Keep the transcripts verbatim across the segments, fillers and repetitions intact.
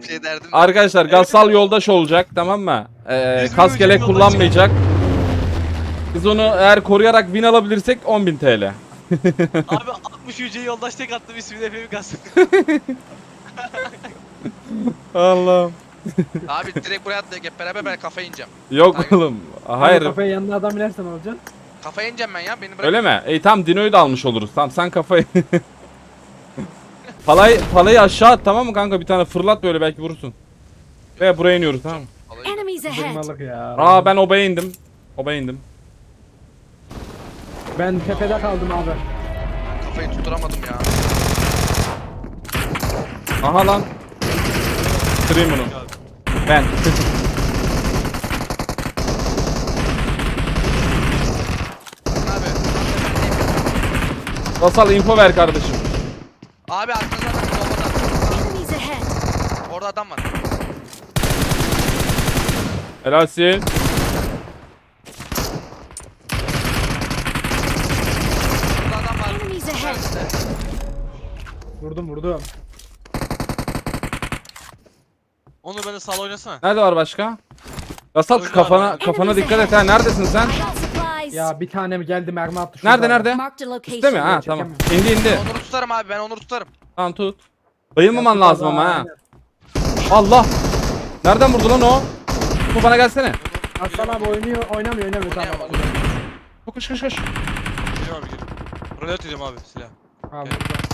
bir şey derdim. Arkadaşlar Gassal yoldaş olacak, tamam mı? Ee, kaskelek kullanmayacak. Biz onu eğer koruyarak win alabilirsek on bin T L. Abi altmış yüce yoldaş tek attım ismini Efe'mi kastım. Allah'ım. Abi direkt buraya atlayıp hep beraber ben kafaya ineceğim. Yok Hayır. oğlum. Hayır. Kafaya yanına adam inersen olacaksın. Kafaya ineceğim ben ya. Beni bırak. Öyle mi? İyi tamam, Dino'yu da almış oluruz. Tamam sen kafayı. Palay, palayı aşağı at, tamam mı kanka? Bir tane fırlat böyle, belki vurursun. Ve buraya iniyoruz, tamam mı? Alayım. Enemies ahead. Durmalık ya. Aa ben obaya indim. Obaya indim. Ben tepede kaldım abi. Kafayı tutturamadım ya. Aha lan. Kırayım bunu. Ben. Abi. Gassal info ver kardeşim. Abi arkanızda adam bombadan. Enemies ahead. Orada adam var. Helalsin. Burada adam var. Enemies ahead. Vurdum vurdum. Onu beni sağ oynasana. Nerede var başka? Gassal şu kafana kafana dikkat et ha. Neredesin sen? I got supplies. Ya bir tane mi geldi mermi attı şurada. Nerede nerede? Marked a Üstte mi? location. Ha tamam. İndi indi. Onur'u tutarım abi, ben Onur'u tutarım. Tamam tut. Bayılmaman Ya, lazım ama ha. aynen. Allah. Nereden vurdu lan o? Bu bana gelsene. Aslan abi oynuyor oynamıyor oynamıyor tamam. Oynayamam. Koş koş koş. Geliyorum abi geliyorum. Rolet edeceğim abi silah. Abi.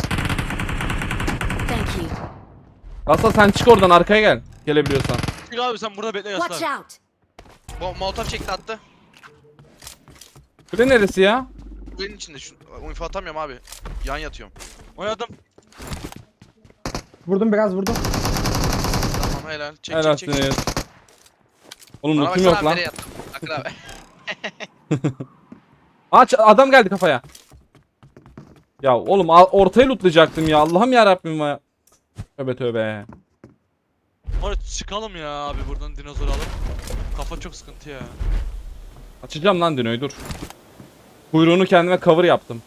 Thank you. Gassal sen çık oradan, arkaya gel. Gelebiliyorsan. Çık abi sen burada bekle Watch yaslan. out. Bo Molotov çekti attı. Kule neresi ya? Benim içinde şu info atamıyorum abi. Yan yatıyorum. Oynadım. Vurdum biraz vurdum. Tamam helal. Çek çek çek. Helalsiniz. Oğlum Bana lootum baksana yok abi, lan. nereye yattım? Akın abi. Aç, adam geldi kafaya. Ya oğlum al- ortayı lootlayacaktım ya. Allah'ım ya Rabbim ya. Tövbe tövbe. Oraya çıkalım ya abi buradan dinozor alıp. Kafa çok sıkıntı ya. Açacağım lan Dino'yu, dur. Kuyruğunu kendime cover yaptım.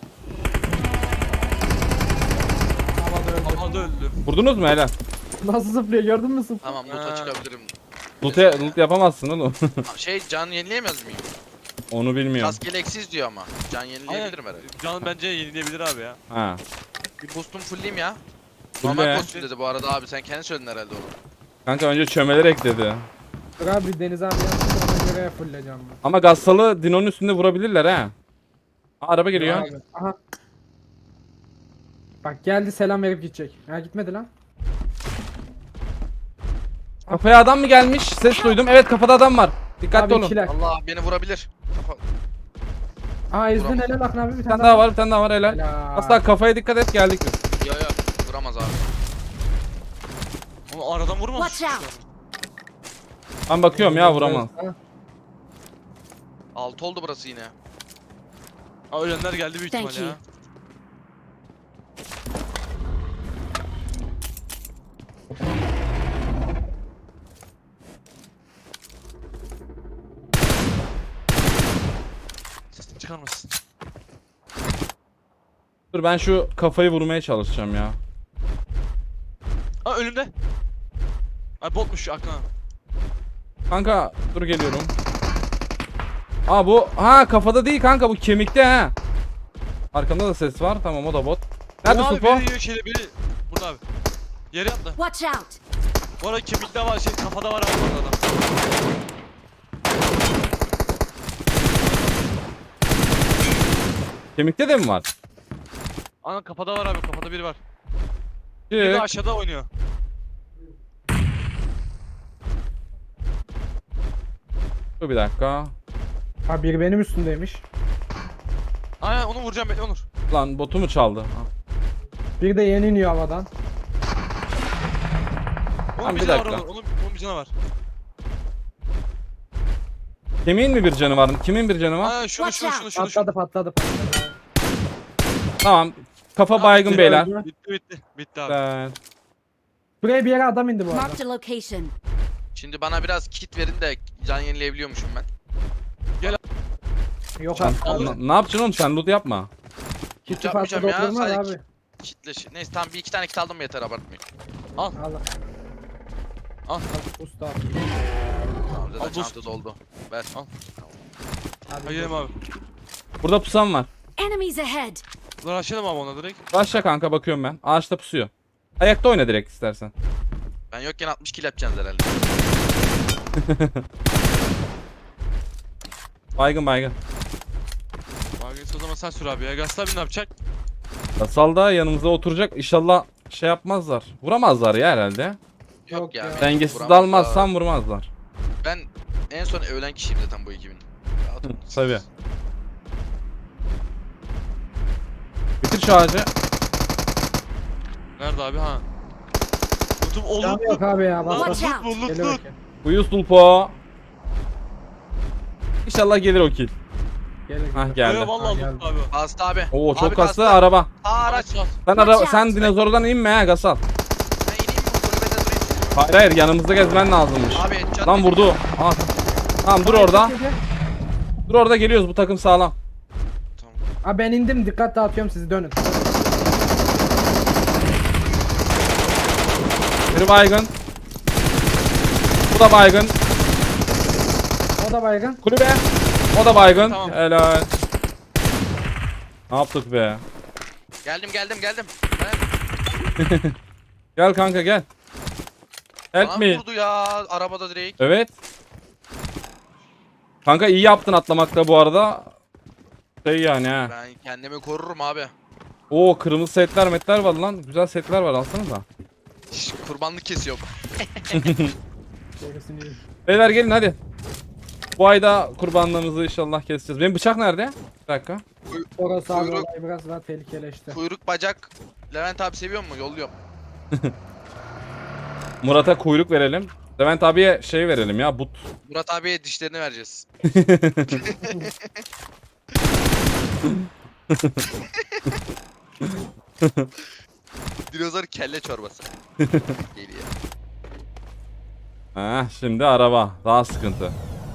Havada öldü. Havada öldü. Vurdunuz mu helal? Nasıl zıplıyor gördün mü zıplıyor? Tamam loot'a Ha. çıkabilirim. Loot, loot yapamazsın oğlum. Şey can yenileyemez miyim? Onu bilmiyorum. Kas geleksiz diyor ama. Can yenileyebilirim herhalde. Can bence yenileyebilir abi ya. Ha. Bir boostum fullleyeyim ya. Fulle. Normal kostüm dedi bu arada abi, sen kendi söyledin herhalde onu. Kanka önce çömeler ekledi. Dur abi Deniz abi yapsın ona göre fulleyeceğim ben. Ama Gassal'ı Dino'nun üstünde vurabilirler ha. Aa, araba geliyor. Abi, aha. Bak geldi selam verip gidecek. Ha gitmedi lan. Kafaya adam mı gelmiş? Ses duydum. Evet, kafada adam var. Dikkatli Abi olun. ikiler. Allah beni vurabilir. Kafa... Aa ezdin Vuramaz. helal Akın abi bir Bir tane tane daha var, bir tane daha var helal. Helal. Asla kafaya dikkat et, geldik biz. Yo yo vuramaz abi. Onu aradan vurmaz. Watch out. Ben bakıyorum ya, vuramam. Ha, Altı oldu burası yine. Aa, ölenler geldi büyük Thank ihtimal you. ya. Sesini çıkarmasın. Dur ben şu kafayı vurmaya çalışacağım ya. Aa önümde. Ay botmuş şu Akın abi. Kanka dur geliyorum. Aa bu ha kafada değil kanka, bu kemikte ha. Arkamda da ses var, tamam o da bot. Nerede Abi Supo? biri yiyor şeyde biri. Burada abi. Yere yattı. Watch out. Bu arada kemikte var şey kafada var ama burada adam. Kemikte de mi var? Ana kafada var abi kafada biri var. Biri de Çık. aşağıda oynuyor. Dur bir dakika. ha biri benim üstündeymiş. Aynen onu vuracağım bekle Onur. Lan botu mu çaldı? Ha. Bir de yeni iniyor havadan. Onun Tamam, bir bir canı var dakika. Onur. Onun, onun bir canı var. Kemiğin mi bir canı var? Kimin bir canı var? Aa şunu şunu şunu şunu. Patladı patladı patladı. Tamam. Kafa Tamam, baygın biri beyler. öldü. Bitti bitti. Bitti abi. Evet. Buraya bir yere adam indi bu arada. Marked a location. Şimdi bana biraz kit verin de can yenileyebiliyormuşum ben. Yok Sen, abi. na- ne yapacaksın oğlum, sen loot yapma. Kitti yapmayacağım patladı ya, oturmaz sadece abi. Kitle Neyse tamam, bir iki tane kit aldım yeter, abartmayın. Allah. Al. Usta. Tamam zaten Al, dur. çanta doldu. Ver. Al. Hadi Hadi gidelim abi. Burada pusan var. Enemies ahead. Bunları açalım abi ona direkt. Başla kanka bakıyorum ben. Ağaçta pusuyor. Ayakta oyna direkt istersen. Ben yokken altmış kill yapacaksınız herhalde. Baygın baygın. Margaret o zaman sen sür abi ya. Gaslı abi ne yapacak? Gasal da yanımıza oturacak. İnşallah şey yapmazlar. Vuramazlar ya herhalde. Yok, Yok ya. ya. Dengesiz Vuramazlar. dalmazsam vurmazlar. Ben en son ölen kişiyim zaten bu ekibin. Rahat olun siz. Tabii. Bitir şu ağacı. Nerede abi ha? Tutup olur. Canı yok abi ya. Bas bas. Watch out. Loot Geliyor loot. bakayım. Uyuz tulpo. İnşallah gelir o kill. Gelir. Hah gelir. geldi. Yo vallahi Ha, loot abi. Bastı abi. Oo çok Abi kaslı araba. Aa araç. Aç. Sen Watch ara out. sen dinozordan inme ha Gasal. Ben ineyim mi? Kulübede durayım. Hayır hayır yanımızda gezmen lazımmış. Abi çat Lan vurdu. Aa. Tamam dur orada. Gel, gel. Dur orada geliyoruz bu takım sağlam. Tamam. Abi ben indim. Dikkat dağıtıyorum sizi dönün. Biri baygın. Bu da baygın. O da baygın. Kulübe. O da baygın. Tamam. Helal. Ne yaptık be? Geldim geldim geldim. Ben- Gel kanka gel. Help Bana me. vurdu ya arabada direkt. Evet. Kanka iyi yaptın atlamakta bu arada. Şey yani ha. Ben kendimi korurum abi. Oo kırmızı setler metler var lan. Güzel setler var alsana da. Şş, kurbanlık kesiyor. Gerisini iyi. Beyler gelin hadi. Bu ayda kurbanlığımızı inşallah keseceğiz. Benim bıçak nerede? Bir dakika. Orası abi Kuyruk. olay biraz daha tehlikeleşti. Kuyruk bacak. Levent abi seviyor mu? Yolluyorum. Murat'a kuyruk verelim. Levent abiye şey verelim ya but. Murat abiye dişlerini vereceğiz. Dinozor kelle çorbası. Geliyor. Ha şimdi araba. Daha sıkıntı.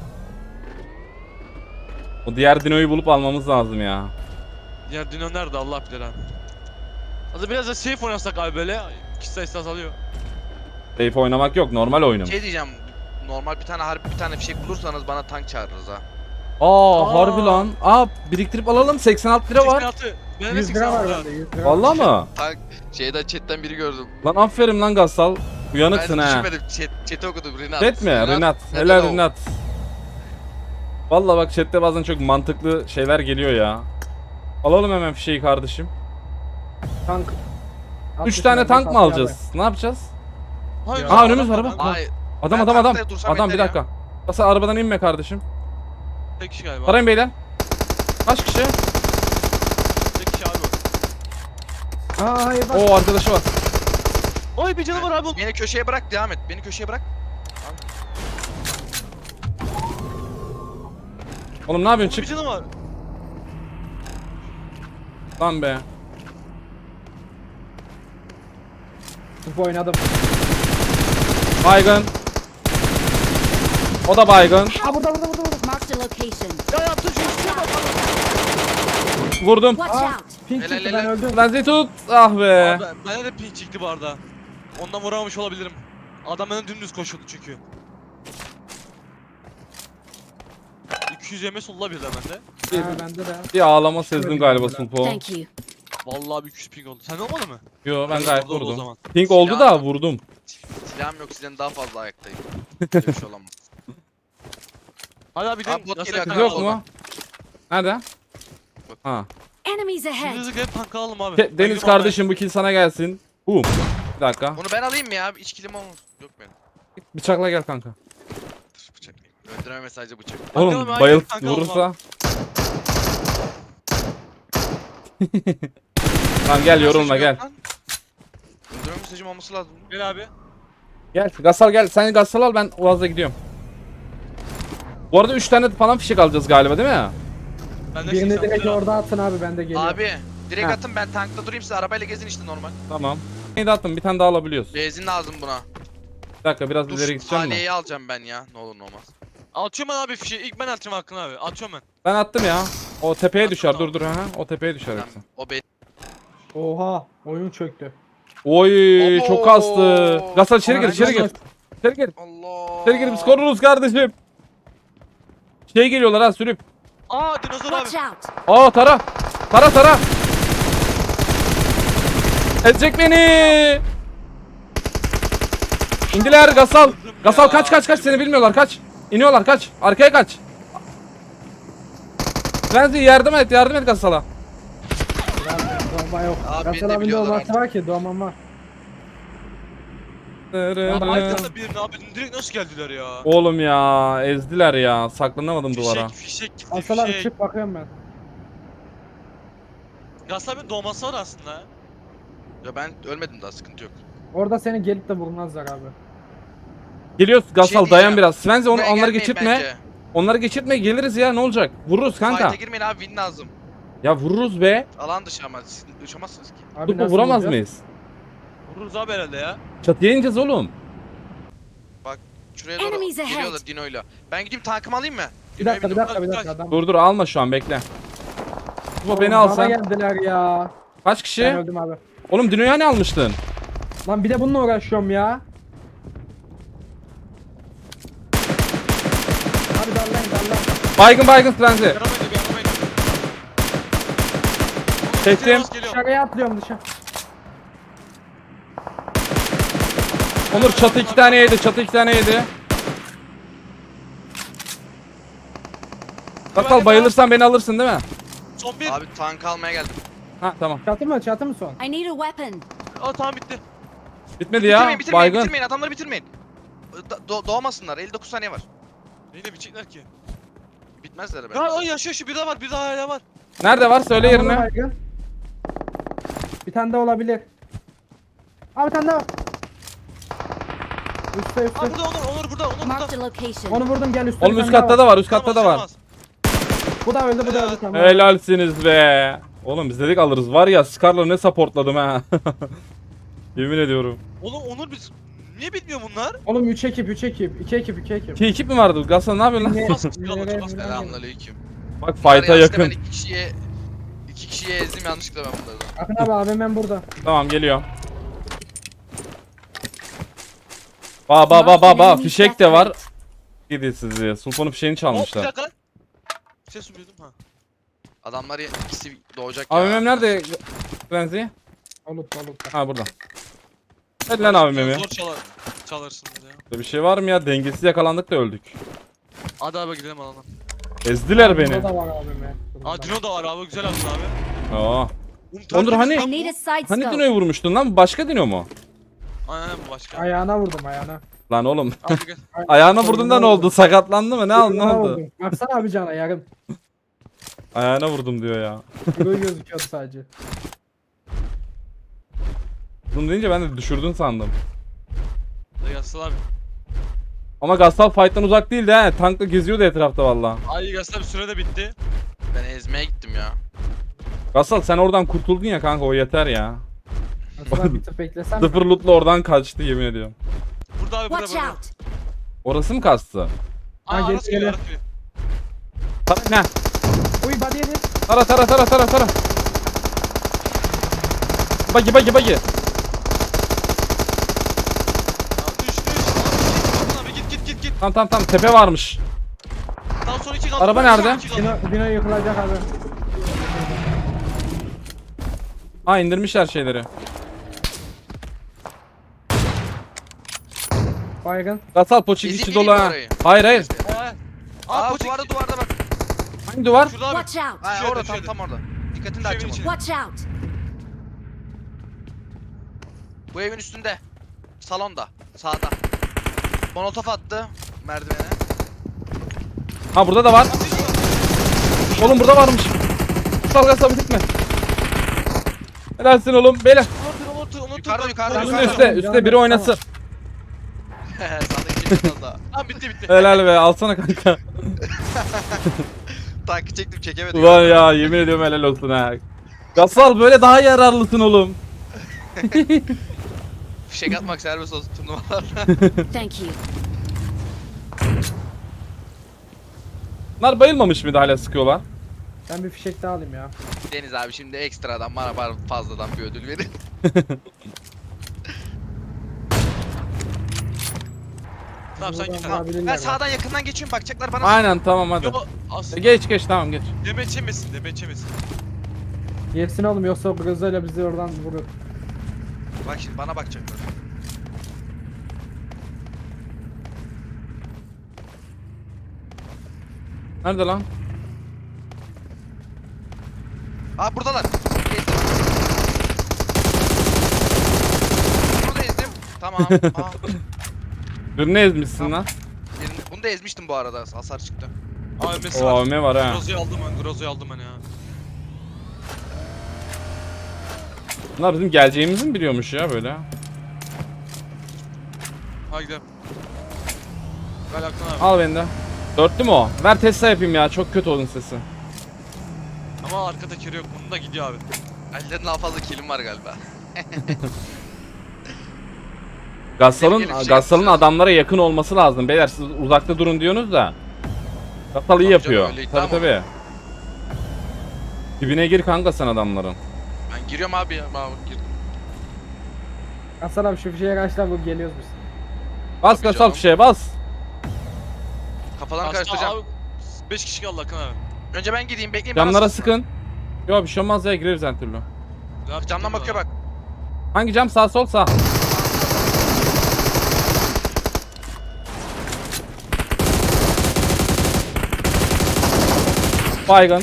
O diğer dinoyu bulup almamız lazım ya. Diğer Dino nerede Allah bilir abi. Hadi biraz da safe oynasak abi böyle. Kişi sayısı azalıyor. Safe oynamak yok normal oyunum. Şey diyeceğim. Normal bir tane harbi bir tane fişek bulursanız bana tank çağırırız ha. Aa, Aa. harbi lan. Aa biriktirip alalım seksen altı lira var. seksen altı. Benim de yüz lira var seksen altı. bende yüz lira. Vallahi mı? Tank şeyden chatten biri gördüm. Lan aferin lan Gassal. Uyanıksın ben ha. düşünmedim. Chat, chat'i okudum Rinat. Chat mi? Rinat. Helal Rinat. Vallahi bak chatte bazen çok mantıklı şeyler geliyor ya. Alalım hemen fişeği kardeşim. Tank. üç tane tank mı alacağız? Ne yapacağız? Hayır, Aa, önümüz var bak. Hayır. Adam Ben adam adam. tankta dursam Adam bir yeter dakika. Gassal arabadan inme kardeşim. Tek kişi galiba. Sarayın beyler. Kaç kişi? Tek kişi abi. Aa hayır bak. Oo arkadaşı var. Oy bir canı var abi. Beni köşeye bırak devam et. Beni köşeye bırak. Oğlum ne yapıyorsun Bir çık canı var. lan be. Top oynadım. Baygın. O da baygın. Aa burada burada burada. burada. Marked a location. Ya yaptın şu işe bak. Vurdum. Watch Aa. out. Pink Helal, çıktı ben helal. öldüm. Lan tut. Ah be. Abi bana de ping çıktı bu arada. Ondan vuramamış olabilirim. Adam bana dümdüz koşuyordu çünkü. iki yüz yeme solla birden bende. Ha, bende de. Bir ağlama sezdim galiba Sulpo. Thank you. Vallahi bir iki yüz ping oldu. Sen olmadı mı? Yo ben Evet, gayet oldu o vurdum. zaman. Pink oldu Silah- da vurdum. Silahım yok sizden daha fazla ayaktayım. Böyle bir şey olamaz. Hadi abi gidelim. Abi bot Nasıl geliyor, Kız tank yok alalım? mu? Nerede? Ha. Enemies ahead. Şimdi gelip tank alalım abi. Ke- Ben Deniz gidiyorum kardeşim bu kill sana gelsin. Boom. Bir dakika. Bunu ben alayım mı ya? İç kilim olmaz. Yok benim. Bıçakla gel kanka. Dur, bıçak. Öldürme mesajı bıçak. Oğlum Bakalım, hayır, bayıl kanka, vurursa. Tamam gel yorulma Mesajım gel. yok lan. Öldürme mesajım olması lazım. abi. Gel abi. Gel Gassal gel. Sen Gassal al ben Uaz'la gidiyorum. Bu arada üç tane falan fişek alacağız galiba değil mi? Ben de Birini seksen direkt lira. orada atın abi ben de geliyorum. Abi direkt Ha. atın ben tankta durayım siz arabayla gezin işte normal. Tamam. Neydi attım bir tane daha alabiliyoruz. Benzin lazım buna. Bir dakika biraz Dur ileri gideceğim mi? Haliye'yi alacağım ben ya. Ne olur ne olmaz. Atıyorum ben abi fişi. İlk ben atacağım hakkını abi. Atıyorum ben. Ben attım ya. O tepeye Attın, düşer. tamam. Dur dur ha. O tepeye düşer Tamam, hepsi. o be. Oha oyun çöktü. Oy Abo. çok kastı. Gassal içeri gir Aa, içeri gir. ben- İçeri gir. Allah. İçeri gir biz koruruz kardeşim. Şey geliyorlar ha sürüp. Aa dinozor abi. Watch out! Aa tara. Tara tara. Ezecek beni. İndiler Gasal. Gasal kaç kaç kaç seni bilmiyorlar kaç. İniyorlar kaç. Arkaya kaç. Frenzy yardım et yardım et Gasal'a. Bomba yok. Abi, beni de Gasal abinin biliyorlar olması artık. var ki doğmam var. Abi arkada birini abi direkt nasıl geldiler ya? Oğlum ya ezdiler ya saklanamadım duvara. Fişek fişek gitti Gasal abi fişek. çık bakıyorum ben. Gasal abinin doğması var aslında. Ya ben ölmedim daha, sıkıntı yok. Orada seni gelip de vurmazlar abi. Geliyoruz Gasal Şey dayan diyeceğim. biraz. Frenzy onu, Buraya onları gelmeyin geçirtme. bence. Onları geçirtme geliriz ya ne olacak? Vururuz kanka. Fight'a girmeyin abi, win lazım. Ya vururuz be. Alan dışı ama siz uçamazsınız ki. Abi Dur bu nasıl vuramaz vuracağız? mıyız? Vururuz abi herhalde ya. Çatıya ineceğiz oğlum. Şuraya doğru Enemies ahead. geliyorlar Dino'yla. Ben gideyim tankımı alayım mı? Bir Dino'ya dakika bir biniyorum. dakika bir Kaç, dakika kaç. adam. Dur dur alma şu an bekle. Bu beni Bana alsan. geldiler ya. Kaç Ben kişi? öldüm abi. Oğlum Dino'ya ne almıştın? Lan bir de bununla uğraşıyorum ya. Abi darlayın darlayın. Baygın baygın Frenzy. Yaramaydı bir yaramaydı. Çektim. Geliyor. Dışarıya atlıyorum dışarı. Onur çatı iki tane yedi. Çatı iki tane yedi. Gasal bayılırsan beni alırsın değil mi? Son bir. Abi tank almaya geldim. Ha tamam. Çatı mı çatı mı son? I need a weapon. Aa tamam bitti. Bitmedi ya. Bitirmeyin bitirmeyin Baygın. bitirmeyin, adamları bitirmeyin. Do- do- doğmasınlar, elli dokuz saniye var. Neyle bitecekler ki? Bitmezler be. Ya o yaşıyor şu bir daha var bir daha hala var. Nerede var söyle Tamam, yerini. baygın. Bir tane daha olabilir. Abi bir tane daha. Üstte Aa üstte. burada Onur Onur burada Onur Marked burada. a location. Onu vurdum gel üstte. Oğlum bir üst tane daha katta da var. Üst katta da var. Tamam, Bu da öldü bu da öldü tamam. Helalsiniz be. Oğlum biz dedik alırız. Var ya Scar'la ne supportladım ha. Yemin ediyorum. Oğlum Onur biz niye bitmiyor bunlar? Oğlum üç ekip üç ekip iki ekip iki ekip. İki ekip mi vardı? Gasal ne yapıyorsun lan? Ne- Bas, çıkalım, nereye- bas. nereye- Selamünaleyküm. Bak fight'a Var ya, aslında yakın. Ben iki kişiye iki kişiye ezdim yanlışlıkla ben bunları. da. Akın abi abim ben burada. Tamam geliyor. Ba ba ba ba ba fişek de var. Gidin sizi. Sultan'ın fişeğini Hop bir çalmışlar. dakika. Ses duydum ha. Adamlar ya- ikisi doğacak ya. A V M'm nerede? Frenzy? Olut olut. Ha burada. Hadi lan A V M'mi. Zor çalar. Çalarsınız ya. Bir şey var mı ya? Dengesiz yakalandık da öldük. Hadi abi gidelim alalım. Ezdiler beni. Burada var abim ya. Aa Dino da var abi güzel attın abi. Aa. Oğlum, Onur, hani- I need a side Hani scope. Dino'yu vurmuştun lan? Bu başka Dino mu? Aynen bu başka. Ayağına vurdum ayağına. Lan oğlum. Abi gel. Ayağına vurdun da ne oldu? Sakatlandı mı? Ne, al- ne Ayağına oldu? vurdum. Baksana abi cana yarım. Ayağına vurdum diyor ya. Böyle gözüküyordu sadece. Bunu deyince ben de düşürdün sandım. Hadi yazsın abi. Ama Gastal fight'tan uzak değildi he. Tankla geziyordu etrafta valla. Ay Gaston süre de bitti. Ben ezmeye gittim ya. Gastal sen oradan kurtuldun ya kanka o yeter ya. Aslında bir tık beklesem mi? Sıfır lootla oradan kaçtı yemin ediyorum. Burada abi burada Watch burada. out. Orası mı kastı? Aa Ha, Aras geliyor geliyor. Aras geliyor. Tara ne? Uy body yedi. Tara tara tara tara tara. Bagi bagi bagi. Aa, düş düş. Aa, abi git git git git. Tamam tamam tamam tepe varmış. Daha sonra iki kaldı. Araba Daha sonra nerede? iki kaldı. Dino, Dino yıkılacak abi. Ha indirmişler şeyleri. Baygın. Gastal poçik Ezip içi ineyim dolu mi ha. orayı? Hayır hayır. Aa, Aa, Aa poçik. duvarda duvarda bak. Hangi duvar? Şurada abi. Watch out. Ha Düşüyor, orada düşüyor. tam tam orada. Dikkatini de Düşüyor açacağım içine. onu. Watch out. Bu evin üstünde. Salonda. Sağda. Molotof attı merdivene. Ha burada da var. Oğlum burada varmış. Gastal Gastal gitme. Helalsin oğlum. Beyler. Onur Onur Onur. Yukarıda, yukarıda, Üstte yukarıda. üstte. Üstte biri oynasın. Sağdaki çektim az daha. Tamam bitti bitti. Helal be alsana kanka. Tankı çektim çekemedim. Ulan ya yemin ediyorum helal olsun ha. Gasal böyle daha yararlısın oğlum. Fişek atmak serbest olsun turnuvalarda. Thank you. Bunlar bayılmamış mıydı hala sıkıyorlar? Ben bir fişek daha alayım ya. Deniz abi şimdi ekstradan bana bana fazladan bir ödül verin. Tamam sen git Buradan abi. alabilirler Ben bak. sağdan yakından geçiyorum bakacaklar bana. Aynen tamam hadi. Yo as. E, Geç geç tamam geç. Demeç yemesin demeç yemesin. Yersin oğlum yoksa Grozo'yla bizi oradan vurur. Bak şimdi bana bakacaklar. Nerede lan? Aa buradalar. Ezdim. Bunu da ezdim. Tamam. Aa, Birini ezmişsin Tamam. lan. birini- bunu da ezmiştim bu arada. Hasar çıktı. A V M'si O var. A V M var ha. Grozo'yu aldım ben. Grozo'yu aldım ben ya. Bunlar bizim geleceğimizi mi biliyormuş ya böyle? Hadi gidelim. Gel Aktan abi. Al beni de. Dörtlü mü o? Ver Tesla yapayım ya. Çok kötü onun sesi. Ama arka tekeri yok. Bunun da gidiyor abi. Ellerin daha fazla kilim var galiba. Gassal'ın Gelip şey Gassal'ın yapacağız. adamlara yakın olması lazım. Beyler siz uzakta durun diyorsunuz da. Gassal iyi Tabii yapıyor. canım, öyleydi Tabii ama. tabii. Dibine gir kanka sen adamların. Ben giriyorum abi ya. Ben girdim. Hasan abi şu fişeye karşılar bu geliyoruz biz. Bas Tabii Gassal canım. fişeye bas. Kafadan Aslında karıştıracağım. abi beş kişi kaldı Aktan abi. Önce ben gideyim bekleyin. bana Camlara sıksınlar. sıkın. Yok bir şey olmaz ya gireriz her türlü. Ne yapacak Camdan değil mi bakıyor abi? bak. Hangi cam sağ sol sağ? Baygın.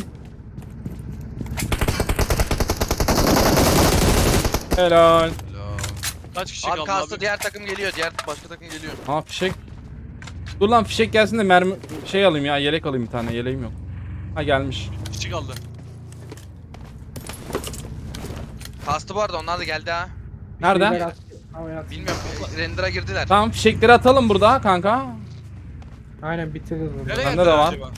Helal. Helal. Kaç kişi Abi kaldı kastı abi? diğer takım geliyor. Diğer başka takım geliyor. Ha fişek. Dur lan fişek gelsin de mermi şey alayım ya yelek alayım bir tane yeleğim yok. Ha gelmiş. Kişi kaldı. Kastı bu arada onlar da geldi ha. Nerede? Fişeği at- havaya at. Bilmiyorum. e, Render'a girdiler. Tamam fişekleri atalım burada kanka. Aynen bitiririz bunu. Nereye Bende geldiler de var. acaba?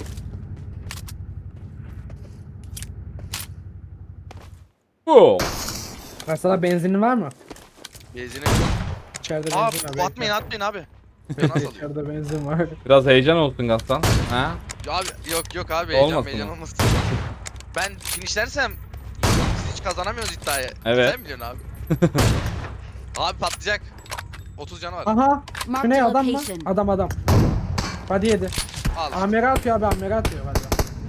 Bu. Hasan benzinin var mı? Benzine. İçeride Aa benzin var. atmayın atmayın abi. Bekle, Nasıl alıyor? İçeride benzin var. Biraz heyecan olsun Gaston. Ha? Ya Abi yok yok abi heyecan Olmasın heyecan mı? olmasın. Ben finishlersem siz hiç kazanamıyoruz iddiayı. Evet. Sen biliyorsun abi. Abi patlayacak. otuz canı var. Aha. Şu Marked ne a adam mı? location. Adam adam. Hadi yedi. Al. Amere atıyor abi amere atıyor hadi.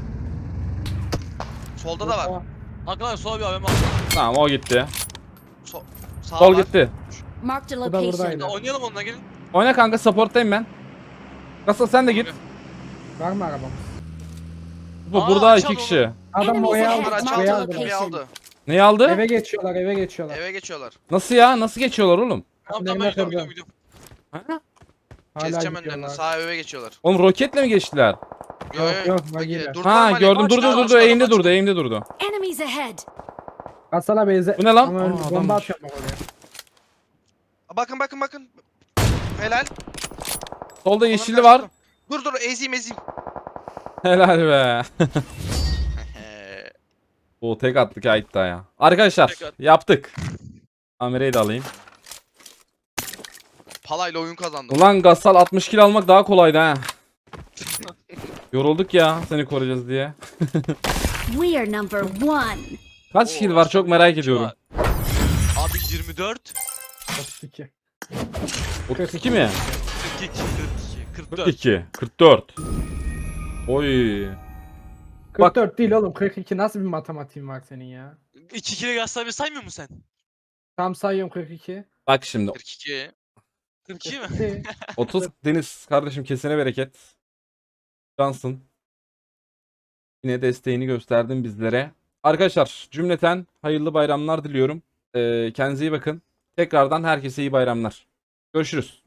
Solda da var. Aktan abi sola bir A V M al. Tamam o gitti. So sağ Sol var. gitti. Marked a Bu da location. buradaydı. Ya oynayalım onunla gelin. Oyna kanka supporttayım ben. Gaston sen de git. Var mı arabamız? Bu Aa, burada açalım iki kişi. Adam Enemies oraya ahead. aldı. Bunlar Marked Oraya a açıldı. aldı. Kapıyı location. aldı. Neyi aldı? Eve geçiyorlar eve geçiyorlar. Eve geçiyorlar. Nasıl ya? Nasıl geçiyorlar oğlum? Tamam Önlerine tamam ben gidiyorum kırdı. gidiyorum gidiyorum. Ha? Hala Keseceğim önlerini. gidiyorlar. Sağ eve geçiyorlar. Oğlum roketle mi geçtiler? Yo, Yok, yo, yok, bak, bagiyle. durdular Ha mı? gördüm Açtı, durdu açtı, durdu açtı, eğimde açtı. durdu eğimde durdu. Enemies ahead. Hasan abi eze... Bu ne lan? Ama Aa, önce bomba adammış. atıyorum bak oraya. Bakın bakın bakın. Helal. Solda Ona yeşilli var. kaçtım. Dur dur ezeyim ezeyim. Helal be. O tek attık ha iddiaya. Arkadaşlar Tek at. yaptık. Kamerayı da alayım. Palayla oyun kazandım. Ulan Gassal altmış kill almak daha kolaydı ha. Yorulduk ya seni koruyacağız diye. We are number one. Kaç Oo, kill var çok merak kişi ediyorum. var. Abi yirmi dört. otuz iki. otuz iki mi? kırk iki. kırk iki. kırk kırk dört. iki. kırk dört. Oy. kırk dört değil oğlum kırk iki nasıl bir matematiğin var senin ya? iki kere Gaston abi saymıyor musun sen? Tam sayıyorum kırk iki. Bak şimdi kırk iki. kırk iki mi? otuz Deniz kardeşim kesene bereket. Cansın. Yine desteğini gösterdin bizlere. Arkadaşlar cümleten hayırlı bayramlar diliyorum. Ee, kendinize iyi bakın. Tekrardan herkese iyi bayramlar. Görüşürüz.